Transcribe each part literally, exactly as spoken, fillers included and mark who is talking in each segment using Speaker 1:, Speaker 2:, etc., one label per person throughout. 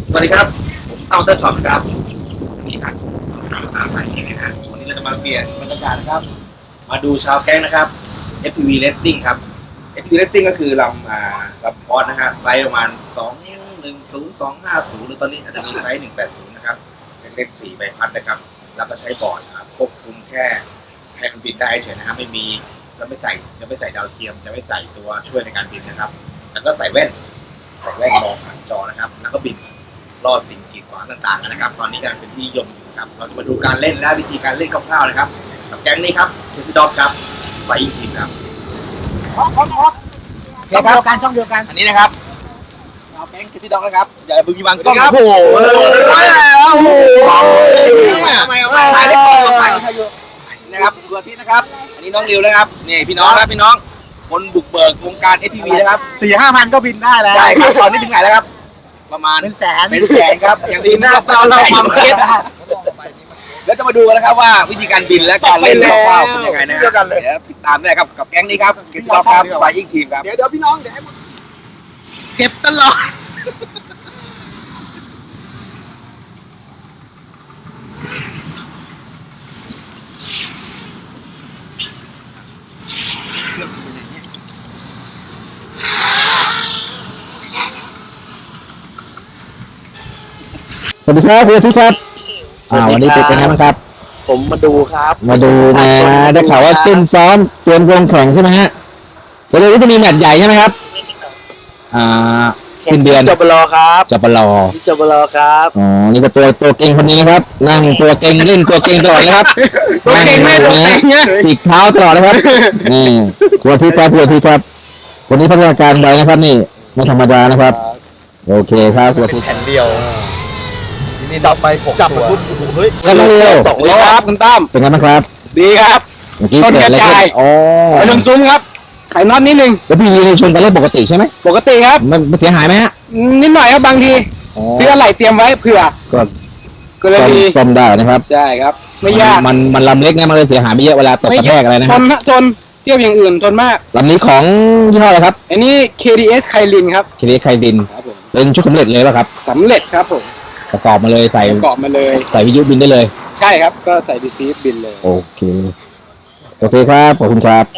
Speaker 1: สวัสดีครับผมเต้าเต้าช็อปครับนี่ครับตาใสเองนะฮะวันนี้เราจะมาเปลี่ยนบรรยากาศนะครับมาดูชาวแก๊งนะครับ เอฟ พี วี Racing ครับ เอฟ พี วี Racing ก็คือลำอ่าลำพอดนะฮะไซส์ประมาณสองหนึ่งศูนย์ สองห้าศูนย์หรือตอนนี้อาจจะมีไซส์หนึ่งแปดศูนย์นะครับเป็นเลขสี่ใบพัดนะครับแล้วก็ใช้บอร์ดควบคุมแค่ให้มันบินได้เฉยนะฮะไม่มีจะไม่ใส่จะไม่ใส่ดาวเทียมจะไม่ใส่ตัวช่วยในการบินนะครับแล้วก็ใส่แว่นใส่แว่นมองผ่านจอนะครับแล้วก็บินรอดสิ่งกีดขวางต่างๆนะครับตอนนี้กำลังเป็นที่นิยมอยู่ครับเราจะมาดูการเล่นและวิธีการเล่นคร่าวๆนะครับกับแก๊งนี้ครับเคสด็อกครับไฟอิงทีมครับช่องเดียวกันช่องเดียวกันอันนี้นะครับเราแก๊งเคสด็อกนะครับอย่าบึ้งยิงบังกล้องโอ้โหโอ้โหทำไมเอาไปถ่ายเล็กกล้องถ่ายนะครับตัวที่นะครับอันนี้น้องริวนะครับนี่พี่น้องครับพี่น้องคนบุกเบิกวงการ เอฟ พี วี นะครับสี่ห้าพันก็บินได้แล้วใช่ครับตอนนี้ถึงไหนแล้วครับประมาณเป็นแสนเป็นแสนครับอย่างดีหน้าเศร้าเราความเครียดแล้วจะมาดูกันนะครับว่าวิธีการบินและการเล่นคร่าวๆเป็นยังไงนะเดี๋ยวติดตามได้ครับกับแก๊งนี้ครับเก็บตลอดครับไฟยิ่งทีมครับเดี๋ยวเดี๋ยวพี่น้องเดี๋ยวเก็บตลอด
Speaker 2: สวัสดีครับคุณอาทิตย์ครับอ่าวันนี้เป็นยังไงบ้างครับ
Speaker 1: ผมมาดูครับ
Speaker 2: มาดูมาได้ข่าวว่าซุ่มซ้อมเตรียมลงแข่งใช่ไหมฮะเดี๋ยวนี้จะมีแมตช์ใหญ่ใช่ไหมครับอ่าสิ้นเดือน
Speaker 1: จบรอครับ
Speaker 2: จบรอ
Speaker 1: จบรอครับ
Speaker 2: อ๋อนี่ก็ตัวตัวเก่งคนนี้นะครับนั่งตัวเก่งเล่นตัวเก่งตลอดนะครับ
Speaker 1: ตัวเก่งไม่ตัวเก่งเนี่ย
Speaker 2: ติดเท้าตลอดนะครับนี่คุณอาทิตย์ครับคุณอาทิตย์ครับวันนี้พัฒนาการใดนะครับนี่ไม่ธรรมดานะครับโอเคครับคุณอาทิตย์
Speaker 1: แผ่นเดียว
Speaker 3: นี่จับไปหกตัว
Speaker 1: เฮ้ย
Speaker 2: แล้วเร็ว
Speaker 1: สองรอบคุณตั้ม
Speaker 2: เป็นไงบ้างครับ
Speaker 1: ดีครับ
Speaker 2: ต้นกระจาย
Speaker 1: อ๋อไปลงซุ้มครับไขน็อตนิดนึง
Speaker 2: แล้วพี่มีในชนกันเล่นปกติใช่ไหม
Speaker 1: ปกติครับ
Speaker 2: มันเสียหายไหมฮะ
Speaker 1: นิดหน่อยครับบางทีซื้ออะไรเตรียมไว้เผื่อ
Speaker 2: ก็
Speaker 1: ก็เลยมี
Speaker 2: ซ่อมได้นะครับ
Speaker 1: ใช่ครับไม่ยาก
Speaker 2: มันมันลำเล็กไงมันเลยเสียหายไม่เยอะเวลาตกกระแทกอะไรนะ
Speaker 1: ทนทนเทียบอย่างอื่นทนมาก
Speaker 2: ลำนี้ของยี่ห้ออะไรครับ
Speaker 1: อันนี้ เค ดี เอส ไคลินครับ
Speaker 2: เค ดี เอส ไคลินเป็นชุดสำเร็จเลยป่ะครับ
Speaker 1: สำเร็จครับผม
Speaker 2: ประกอบมาเลยใส่
Speaker 1: ประกอบมาเลย
Speaker 2: ใส่วิทยุบินได้เลย
Speaker 1: ใช่ครับก็ใส่ดีซีบินเลย
Speaker 2: โอเคโอเคครับขอบคุณครับ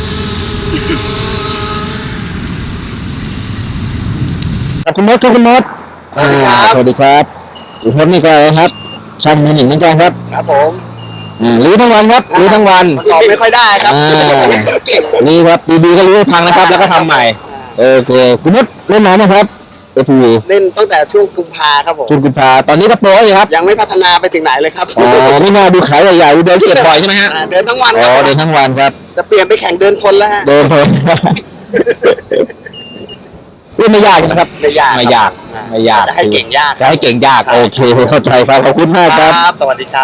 Speaker 2: คุณมดครับคุณมด
Speaker 1: สวัสดีครับ
Speaker 2: สวัสดีครับคุณมดนี่ก็ครับช่างมือหนึ่งเหมือนกันครับ
Speaker 1: ครับผม
Speaker 2: อ่าลื้อทั้งวันครับลื้อทั้งวัน
Speaker 1: ประกอบไม่ค่อยได้ครับ
Speaker 2: นี่ครับดีๆก็ลื้อพังนะครับแล้วก็ทำใหม่โอเคคุณมดเล่นน้ำนะครับเอฟ พี วี
Speaker 1: เล่นตั้งแต่ช่วงกุมภาครับผม
Speaker 2: ช่วงกุมภาตอนนี้ก็โปรเลยครับ
Speaker 1: ยังไม่พัฒนาไปถึงไหนเลยครับ
Speaker 2: อ๋อไม่น่าดูขายใหญ่ๆเดินเก็บบ่อยใช่ไหมฮะ
Speaker 1: เดินทั้งวัน
Speaker 2: อ๋อเดินทั้งวันครับ
Speaker 1: จะเปลี่ยนไปแข่งเดินทนแล้วฮะ
Speaker 2: เดินทนไม่ยากนะครับ
Speaker 1: ไม่ยาก
Speaker 2: ไม่ยากไม่ยาก
Speaker 1: จะให้เก่งยาก
Speaker 2: จะให้เก่งยากโอเคเข้าใจครับขอบคุณมากครับ
Speaker 1: สวัสดีครับ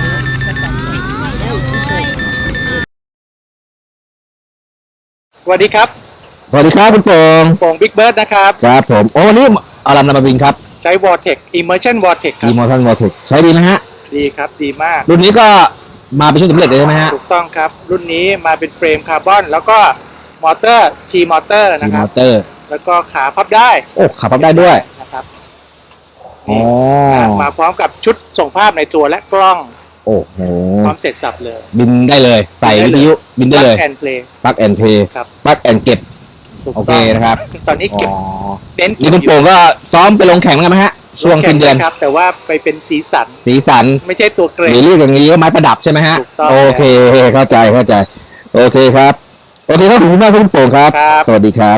Speaker 1: สวัสดีครับ
Speaker 2: สวัสดีครับคุณโป่ง
Speaker 1: โป่งบิ๊กเบิร์ดนะครับ
Speaker 2: ครับผมโอ้วันนี้เอาลำนำมาบินครับ
Speaker 1: ใช้ Vortex Immersion Vortex ครับ
Speaker 2: Immersion Vortex ใช้ดีนะฮะ
Speaker 1: ดีครับดีมาก
Speaker 2: รุ่นนี้ก็มาเป็นชุดสำเร็จเลยใช่ไหมฮะ
Speaker 1: ถูกต้องครับรุ่นนี้มาเป็นเฟรมคาร์บอนแล้วก็มอเตอร์ T มอเตอร์นะครับ
Speaker 2: มอเตอร์
Speaker 1: แล้วก็ขาพับได้
Speaker 2: โอ้ขาพับได้ด้วย
Speaker 1: นะครับ
Speaker 2: อ๋อ
Speaker 1: มาพร้อมกับชุดส่งภาพในตัวและกล้อง
Speaker 2: โอ้โห
Speaker 1: พร้อมเสร็จสับเลย
Speaker 2: บินได้เลยใส่วิทยุบินได้เลย
Speaker 1: Plug and Play
Speaker 2: Plug and Play
Speaker 1: ครับ
Speaker 2: Plug and เก็บโอเคนะครับ
Speaker 1: ตอนนี้เก็บ
Speaker 2: เน้นนี่คุณโป่งก็ซ้อมไปลงแข่งกันไหมฮะช่วงสิ้นเดือน
Speaker 1: ครับแต่ว่าไปเป็นสีสัน
Speaker 2: สีสัน
Speaker 1: ไม่ใช่ตัวเกรด
Speaker 2: มีเรื่องอย่างนี้ก็ไม้ประดับใช่ไหมฮะโอเคเข้าใจเข้าใจโอเคครับโอเคครับขอบคุณมากคุณโป่งครับสวัสดีครับ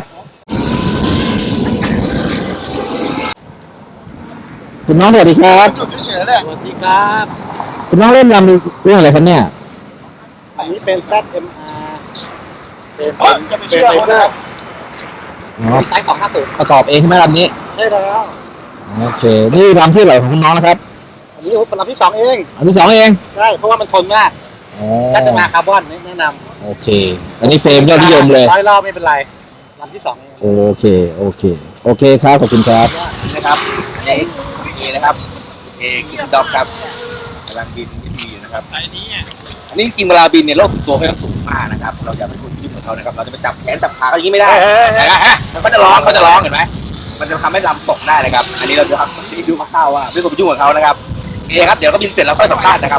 Speaker 2: คุณน้องสวัสดีครับ
Speaker 1: สวัสดีครับ
Speaker 2: คุณน้องเล่นรำเรื่องอะไรครับเนี่ย
Speaker 1: อันนี้เป็น แซด เอ็ม อาร์ เป็นจะไม่เชื่อครับไซส์สองห้าศูนย์
Speaker 2: ประกอบเองใช่ไหมลำนี้
Speaker 1: ใช่แล้ว
Speaker 2: โอเคนี่ลำที่ไหนของคุณน้องนะครับ
Speaker 1: อันนี้เป็นลำที่สองเอง
Speaker 2: ลำที่สองเอง
Speaker 1: ใช่เพราะว่ามันทนมากแซด เอ็ม อาร์ คาร์บอนแนะนำ
Speaker 2: โอเคอันนี้เฟรมยอดนิยมเลย
Speaker 1: ร้อยรอบไม่เป็นไรลำที่สองเอง
Speaker 2: โอเคโอเคโอเคครับขอบคุณครับ
Speaker 1: นะครับนี่นี่นะครับเอคิดด็อกครับกำลังบินที่ดีอยู่นะครับอันนี้อันนี้จริงเวลาบินเนี่ยโลกส่วนตัวเขาสูงมากนะครับเราอย่าไปพูดที่เหมือนเขานะครับเราจะไปจับแขนจับขาเขาอย่างนี้ไม่ได้เขาจะร้องเขาจะร้องเห็นไหมมันจะทำให้ลำตกได้นะครับ อันนี้เราจะทำที่ดูคร่าวๆว่าไม่ควรไปยุ่งกับเขานะครับโอเคครับเดี๋ยวก็บินเสร็จแล้วค่อยสัมภาษณ์นะครับ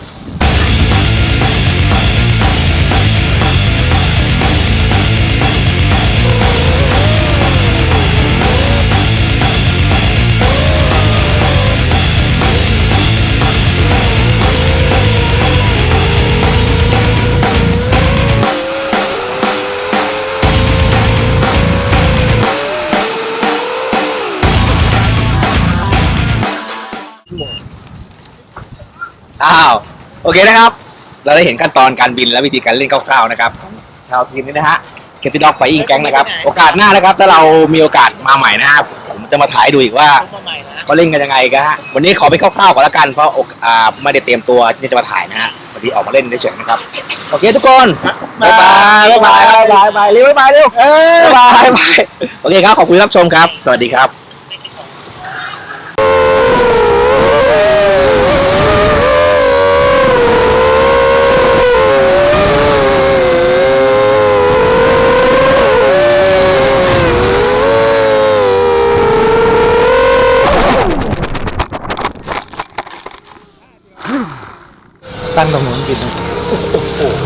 Speaker 1: อ้าวโอเคนะครับ เราได้เห็นขั้นตอนการบินและวิธีการเล่นคร่าวๆนะครับของชาวทีมนี้นะฮะเคติด็อกไฟอิงแก๊งนะครับโอกาสหน้านะครับถ้าเรามีโอกาสมาใหม่นะครับผมจะมาถ่ายให้ดูอีกว่าเขาเล่นกันยังไงกันฮะวันนี้ขอไปคร่าวๆก่อนละกันเพราะอ่าไม่ได้เตรียมตัวที่จะมาถ่ายนะฮะวันนี้ออกมาเล่นเฉยๆนะครับโอเคทุกคนบ๊ายบายบ๊ายบายบ๊ายบายบ๊ายบายเร็วบ๊ายบายเร็วบ๊ายบายบ๊ายบายโอเคครับขอบคุณที่รับชมครับสวัสดีครับตั้งตรงนู้นกิน